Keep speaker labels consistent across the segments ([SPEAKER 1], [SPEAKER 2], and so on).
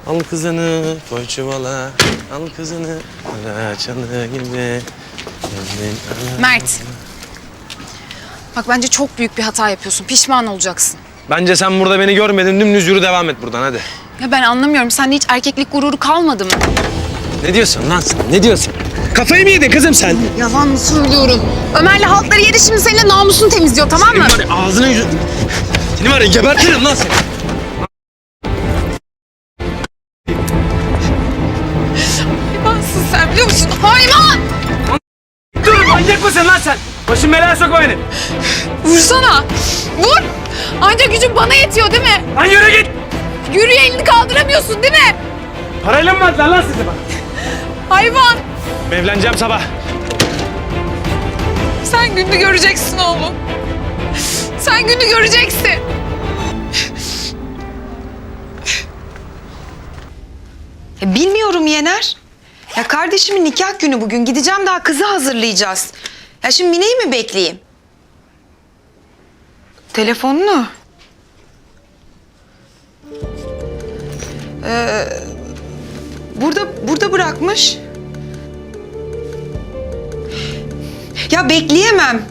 [SPEAKER 1] Al kızını koy çuvala. Al kızını alaçalı gibi.
[SPEAKER 2] Mert. Bak bence çok büyük bir hata yapıyorsun. Pişman olacaksın.
[SPEAKER 1] Bence sen burada beni görmedin. Dümdüz yürü, devam et buradan hadi.
[SPEAKER 2] Ya ben anlamıyorum. Sende hiç erkeklik gururu kalmadı mı?
[SPEAKER 1] Ne diyorsun lan sen? Ne diyorsun? Kafayı mı yedin kızım sen?
[SPEAKER 2] Yalan mı söylüyorum? Ömer'le halkları yedi, şimdi seninle namusunu temizliyor, tamam mı?
[SPEAKER 1] Senin var ya ağzını yüzünü... Seni var ya gebertirim lan seni.
[SPEAKER 2] Hayvansın sen, biliyor musun? Hayvan!
[SPEAKER 1] Dur, manyak mısın lan sen? Başım belaya sokma beni.
[SPEAKER 2] Vursana! Vur! Ancak gücün bana yetiyor değil mi?
[SPEAKER 1] Lan yürü git.
[SPEAKER 2] Yürüye elini kaldıramıyorsun değil mi?
[SPEAKER 1] Parayla mı verdiler lan sizi bana?
[SPEAKER 2] Hayvan!
[SPEAKER 1] Evleneceğim sabah.
[SPEAKER 2] Sen gününü göreceksin oğlum. Sen gününü göreceksin.
[SPEAKER 3] Bilmiyorum Yener. Ya kardeşimin nikah günü bugün. Gideceğim, daha kızı hazırlayacağız. Ya şimdi Mine'yi mi bekleyeyim? Telefonunu. Burada bırakmış. Ya bekleyemem.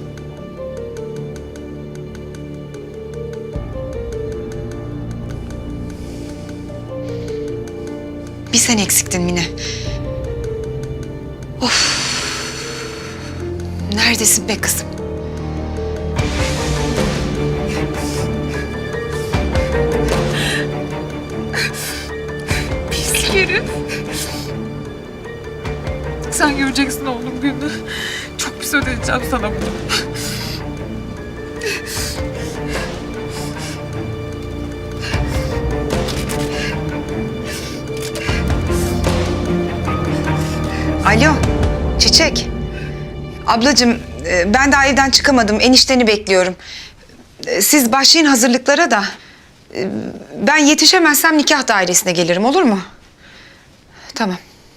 [SPEAKER 3] Bir sen eksiktin Mine. Of. Neredesin be kızım?
[SPEAKER 2] Pis herif. Sen göreceksin oğlum gününü. Çok pis ödeyeceğim sana bunu.
[SPEAKER 3] Alo, Çiçek. Ablacığım, ben daha evden çıkamadım. Enişteni bekliyorum. Siz başlayın hazırlıklara da. Ben yetişemezsem nikah dairesine gelirim, olur mu? Tamam.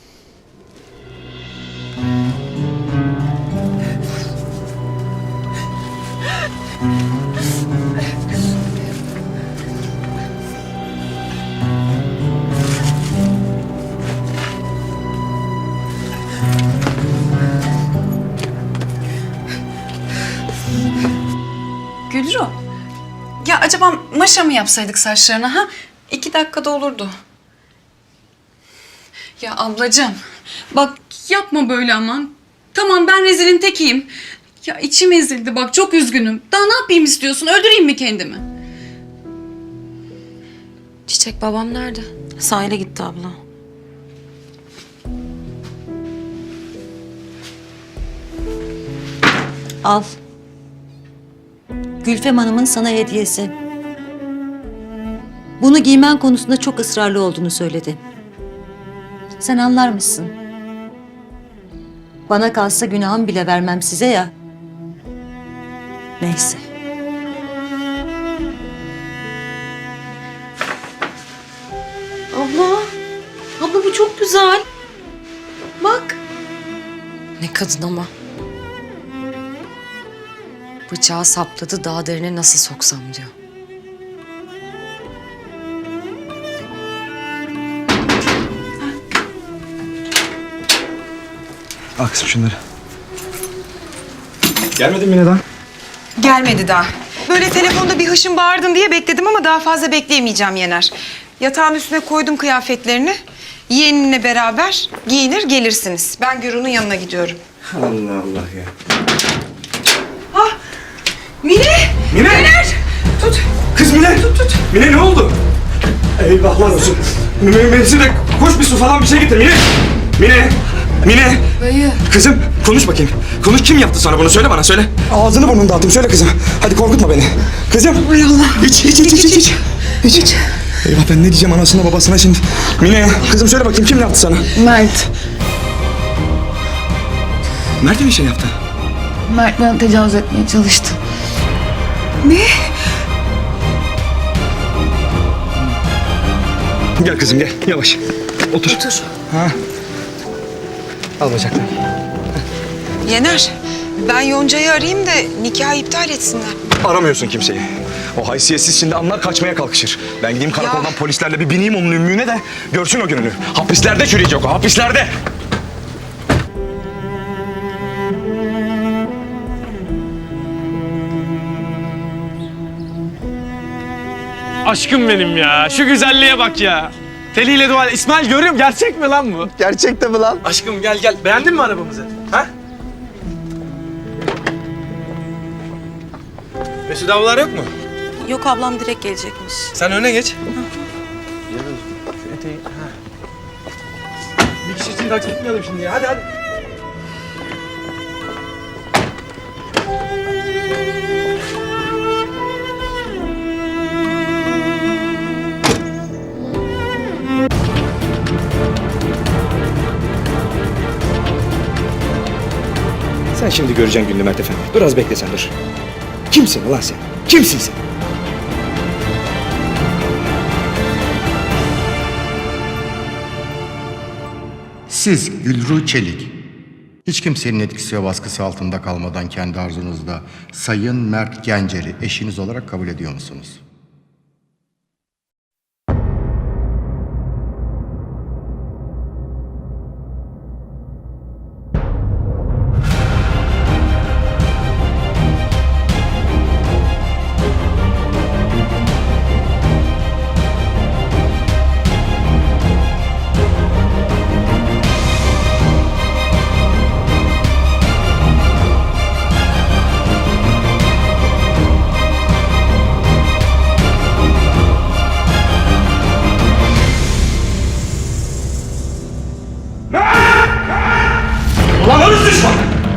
[SPEAKER 2] Gülru. Ya acaba maşa mı yapsaydık saçlarına ha? 2 dakikada olurdu. Ya ablacığım. Bak yapma böyle aman. Tamam ben rezilin tekiyim. Ya içim ezildi bak, çok üzgünüm. Daha ne yapayım istiyorsun? Öldüreyim mi kendimi?
[SPEAKER 4] Çiçek babam nerede? Sahile gitti abla.
[SPEAKER 5] Al. Gülfem Hanım'ın sana hediyesi. Bunu giymen konusunda çok ısrarlı olduğunu söyledi. Sen anlar mısın? Bana kalsa günahım bile vermem size ya. Neyse.
[SPEAKER 4] Abla. Abla bu çok güzel. Bak.
[SPEAKER 6] Ne kadın ama. Bıçağı sapladı, daha derine nasıl soksam diyor.
[SPEAKER 7] Al kızım şunları. Gelmedin mi neden?
[SPEAKER 3] Gelmedi daha. Böyle telefonda bir hışım bağırdın diye bekledim ama daha fazla bekleyemeyeceğim Yener. Yatağın üstüne koydum kıyafetlerini. Yeğeninle beraber giyinir gelirsiniz. Ben Gürun'un yanına gidiyorum.
[SPEAKER 7] Allah Allah ya.
[SPEAKER 3] Mine!
[SPEAKER 7] Mine!
[SPEAKER 3] Yener! Tut!
[SPEAKER 7] Kız Mine! Tut! Mine ne oldu? Eyvahlar olsun. Mevsimde koş bir su falan bir şey getir Mine! Mine! Mine!
[SPEAKER 2] Dayı.
[SPEAKER 7] Kızım konuş bakayım. Konuş, kim yaptı sana bunu, söyle bana, söyle. Ağzını burnunu dağıttım, söyle kızım. Hadi korkutma beni. Kızım. Hay Allah. İç. Eyvah, ben ne diyeceğim anasına babasına şimdi. Mine kızım söyle bakayım, kim yaptı sana?
[SPEAKER 2] Mert.
[SPEAKER 7] Mert mi bir şey yaptı?
[SPEAKER 2] Mert bana tecavüz etmeye çalıştı.
[SPEAKER 7] Gel kızım gel, yavaş. Otur. Ha. Al bacaklarını.
[SPEAKER 3] Yener, ben Yonca'yı arayayım da nikahı iptal etsinler.
[SPEAKER 7] Aramıyorsun kimseyi. O haysiyetsiz şimdi anlar kaçmaya kalkışır. Ben gideyim karakoldan polislerle bir bineyim onun ümmüğüne de görsün o gününü. Hapislerde çürüyecek o, hapislerde.
[SPEAKER 1] Aşkım benim ya. Şu güzelliğe bak ya. Teliyle dua. İsmail görüyorum. Gerçek mi lan bu?
[SPEAKER 8] Gerçekte mi lan?
[SPEAKER 1] Aşkım gel gel. Beğendin mi arabamızı? Ha? Mesut ablalar yok mu?
[SPEAKER 4] Yok, ablam direkt gelecekmiş.
[SPEAKER 1] Sen öne geç. Bir kişi için taksi tutmayalım şimdi ya. Hadi hadi.
[SPEAKER 7] Sen şimdi göreceksin gününü Mert Efendi. Dur az bekle sen dur. Kimsin ulan sen? Kimsin sen?
[SPEAKER 9] Siz Gülru Çelik, hiç kimsenin etkisi ve baskısı altında kalmadan kendi arzunuzda Sayın Mert Gencer'i eşiniz olarak kabul ediyor musunuz?
[SPEAKER 7] Ulan hırs düşman!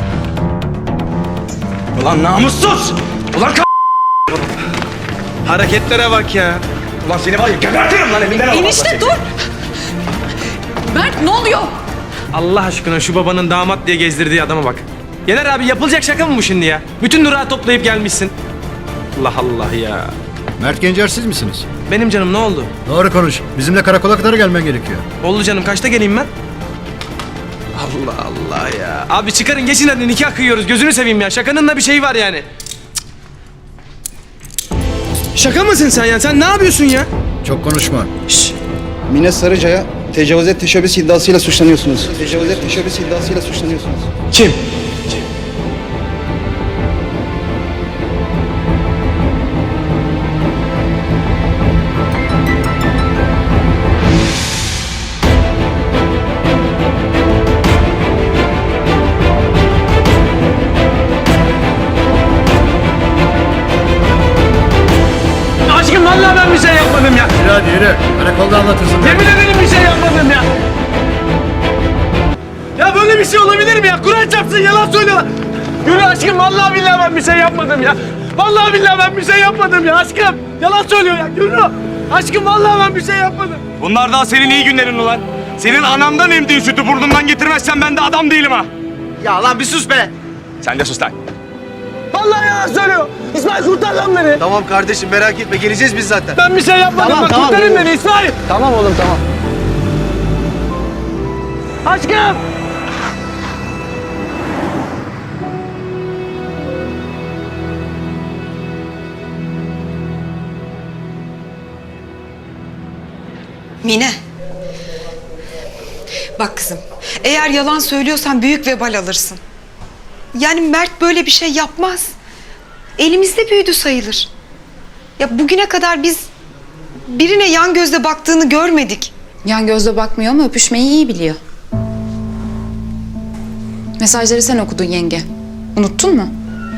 [SPEAKER 7] Ulan namussuz! Ulan
[SPEAKER 1] Hareketlere bak ya.
[SPEAKER 7] Ulan seni var ya gebertirim lan evinden alamazlar
[SPEAKER 2] Enişte
[SPEAKER 7] seni.
[SPEAKER 2] dur! Mert ne oluyor?
[SPEAKER 1] Allah aşkına şu babanın damat diye gezdirdiği adama bak. Yener abi yapılacak şaka mı bu şimdi ya? Bütün durağı toplayıp gelmişsin. Allah Allah ya.
[SPEAKER 9] Mert Gencer siz misiniz?
[SPEAKER 1] Benim canım ne oldu?
[SPEAKER 9] Doğru konuş. Bizimle karakola kadar gelmen gerekiyor.
[SPEAKER 1] Oldu canım kaçta geleyim ben? Allah Allah ya. Abi çıkarın geçin hadi nikah kıyıyoruz gözünü seveyim ya. Şakanın da bir şeyi var yani. Cık. Şaka mısın sen ya? Sen ne yapıyorsun ya?
[SPEAKER 9] Çok konuşma.
[SPEAKER 8] Mine Sarıca'ya tecavüze teşebbüs iddiasıyla suçlanıyorsunuz. Tecavüze teşebbüs iddiasıyla suçlanıyorsunuz.
[SPEAKER 1] Kim? Aşkım vallahi ben bir şey yapmadım ya.
[SPEAKER 9] Yürü hadi yürü. Karakolda anlatırsın.
[SPEAKER 1] Yemin ederim bir şey yapmadım ya. Ya böyle bir şey olabilir mi ya? Kur'an çarpsın yalan söylüyorlar. Yürü aşkım vallahi billahi ben bir şey yapmadım ya. Vallahi billahi ben bir şey yapmadım ya aşkım. Yalan söylüyor ya yürü. Aşkım vallahi ben bir şey yapmadım. Bunlar daha senin iyi günlerin ulan. Senin anamdan emdiğin sütü burnundan getirmezsen ben de adam değilim ha.
[SPEAKER 8] Ya lan bir sus be.
[SPEAKER 1] Sen de sus lan. Vallahi yalan söylüyor. İsmail kurtar lan beni.
[SPEAKER 8] Tamam kardeşim merak etme geleceğiz biz zaten.
[SPEAKER 1] Ben bir şey yapmadım
[SPEAKER 8] Tamam,
[SPEAKER 1] bak
[SPEAKER 8] tamam.
[SPEAKER 1] kurtarın beni İsmail.
[SPEAKER 8] Tamam oğlum tamam.
[SPEAKER 1] Aşkım.
[SPEAKER 3] Mine. Bak kızım, eğer yalan söylüyorsan büyük vebal alırsın. Yani Mert böyle bir şey yapmaz. Elimizde büyüdü sayılır. Ya bugüne kadar biz birine yan gözle baktığını görmedik.
[SPEAKER 10] Yan gözle bakmıyor ama öpüşmeyi iyi biliyor. Mesajları sen okudun yenge. Unuttun mu?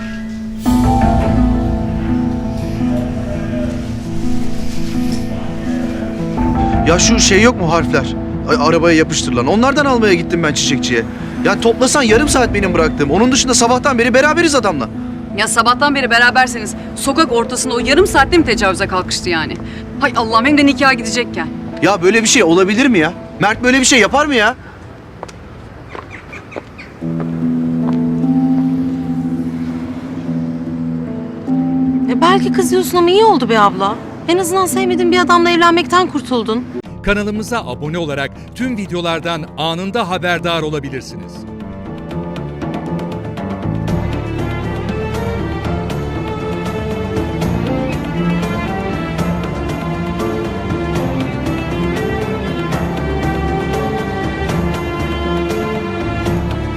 [SPEAKER 8] Ya şu şey yok mu harfler? Arabaya yapıştırılan. Onlardan almaya gittim ben çiçekçiye. Ya toplasan yarım saat benim bıraktığım. Onun dışında sabahtan beri beraberiz adamla.
[SPEAKER 2] Ya sabahtan beri beraberseniz sokak ortasında o yarım saatte mi tecavüze kalkıştı yani? Hay Allah'ım hem de nikaha gidecekken.
[SPEAKER 8] Ya böyle bir şey olabilir mi ya? Mert böyle bir şey yapar mı ya?
[SPEAKER 4] Belki kızıyorsun ama iyi oldu be abla. En azından sevmediğin bir adamla evlenmekten kurtuldun.
[SPEAKER 11] Kanalımıza abone olarak tüm videolardan anında haberdar olabilirsiniz.